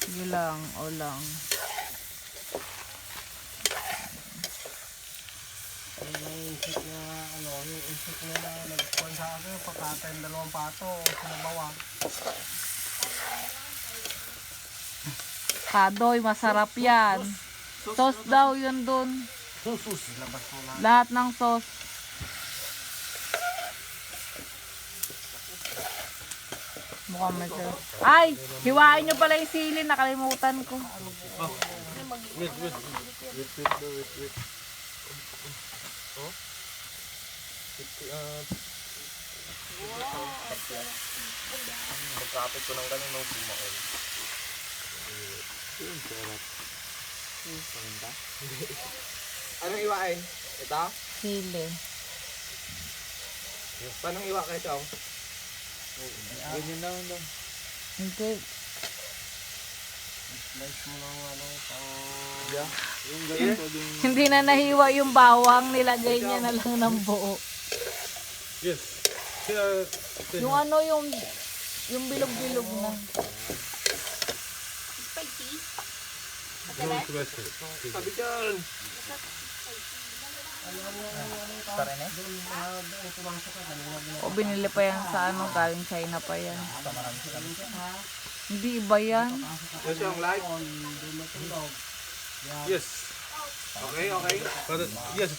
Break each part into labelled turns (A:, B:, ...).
A: Sige lang, o lang.
B: Yung insect na ano, yung insect na nagkuhan sa akin, pagkatayin 2 pato, sinabawa.
A: Kadoy, masarap yan. Sauce daw yun dun.
B: Sus, labas mo na.
A: Lahat ng sauce. Mukhang may sarap. Ay! Hiwain nyo pala yung sili. Nakalimutan ko.
B: Wait. Oh? Magkapit ko ng ganun nung bumaon. Anong iwain? Ito?
A: Sili.
B: Paano iwa kayo, Chong?
C: Ganyan lang daw.
A: Hindi.
B: Slice mo ng ano,
C: Yeah. Yung ganito din.
A: Hindi na nahiwa yung bawang. Nilagay niya na lang ng buo.
C: Yes.
A: Yung ano, yung bilog-bilog na.
B: sabi dyan!
A: O binili pa yan sa ano, galing China pa yan. Hindi iba yan.
B: Yes, yung live?
C: Yes.
B: Okay.
C: Yes.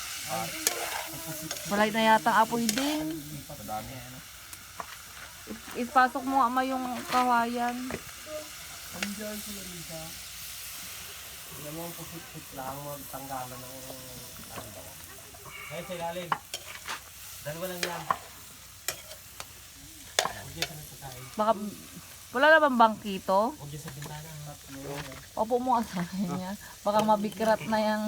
A: Wala na yata apoy din. Ipasok mo ama yung kawayan.
B: Yan mo ang pusit-sit lang, magtanggalan ng
D: Ngayon sa ilalim. Dalawa lang yan. Huwag yan sa nagpatayin.
A: Baka, wala na bang bangkito?
D: Huwag yan sa bintana.
A: Opo mo sa kanya. Baka mabikrat na yung...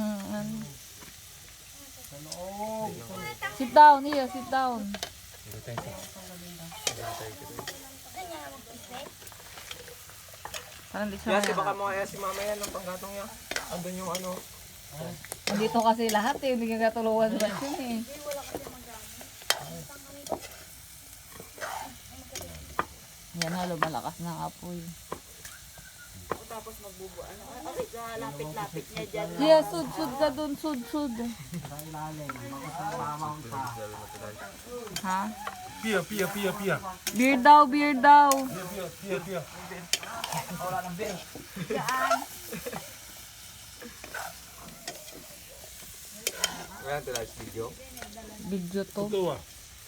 A: Sit down, here, sit down. Parang di siya
B: Yes,
A: maya.
B: baka mo kaya si mama yan, ang panggatong niya. Andun yung ano.
A: Dito kasi lahat eh, hindi ka katulungan sa yun eh. Yan halo, malakas ng apoy.
E: Tapos magbubuan. Lapit-lapit niya dyan.
A: Yeah, sud ka dun, sud. Ha?
C: Pia.
A: Beer daw.
C: Pia.
B: Ayan, tila video.
A: Video to.
C: Ito ah.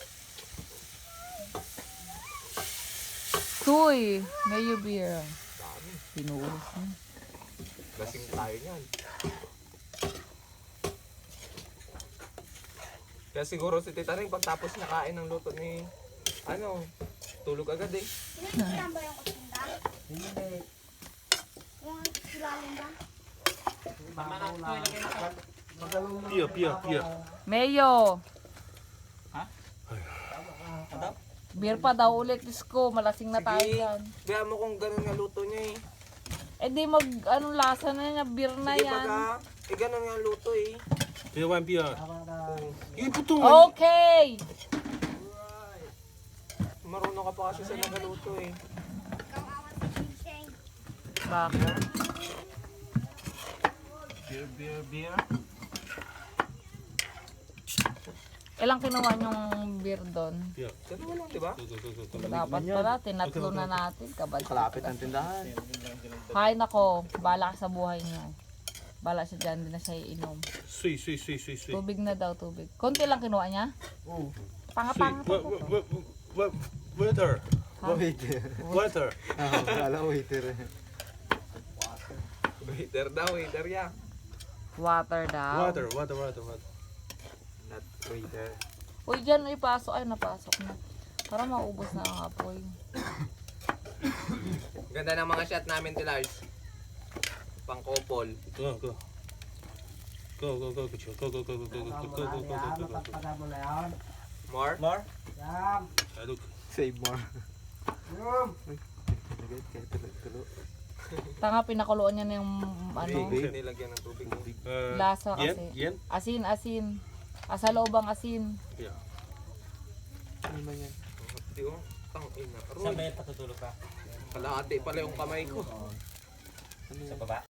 A: Tuy, mayo beer. Pinuhos niya.
B: Lasing tayo niyan. Kaya siguro si Tita Ring pagtapos niya kain ng luto ni ano, tulog agad eh.
E: Saan ba yung kusinda? Hindi. Yung silalim ba?
C: Pia.
A: Mayo.
D: Ha?
A: Beer pa daw ulit, Isko. Malasing na tayo
B: Sige.
A: yan.
B: Kaya mo kung ganun nga luto niya eh.
A: Eh di anong lasa na niya, beer na
B: Sige
A: yan.
B: baga, ganun nga luto eh.
C: Pia. Yung putong
A: Okay!
B: Marunong ka pa kasi sa nagaluto eh.
E: Kawawa sa ginseng.
A: Bakit?
B: Beer.
A: Ilang kinuha niyong beer doon?
C: Pia.
B: Ganun lang, di ba?
A: Dapat pala, tinatlo na natin.
C: Kalapit ng tindahan.
A: Hay nako, bala ka sa buhay niyo. Bala siya dyan, din na siya iinom.
C: Sui.
A: Tubig na daw, tubig. Konti lang kinuha niya?
B: Oo.
A: Pangapang.
C: Waiter.
B: Waiter daw, waiter ya.
A: Water daw.
C: Water.
B: Not waiter.
A: Uy, dyan ipasok. Ay, napasok na. Para maubos na ang apoy.
B: Ganda ng mga shot namin, Tilars. Pang couple.
C: Go.
B: More?
C: Look.
B: Save more.
A: Tanga, pinakuluan niya na yung ano,
B: Nilagyan ng tubig.
A: lasa kasi.
C: Yen.
A: Asin. Asa loob ang asin.
C: Yeah.
B: Di ko, tang ina.
D: Saan ba
B: Aroy,
D: yan patutulog ka?
B: kalahati pala yung kamay ko.
D: Sa baba.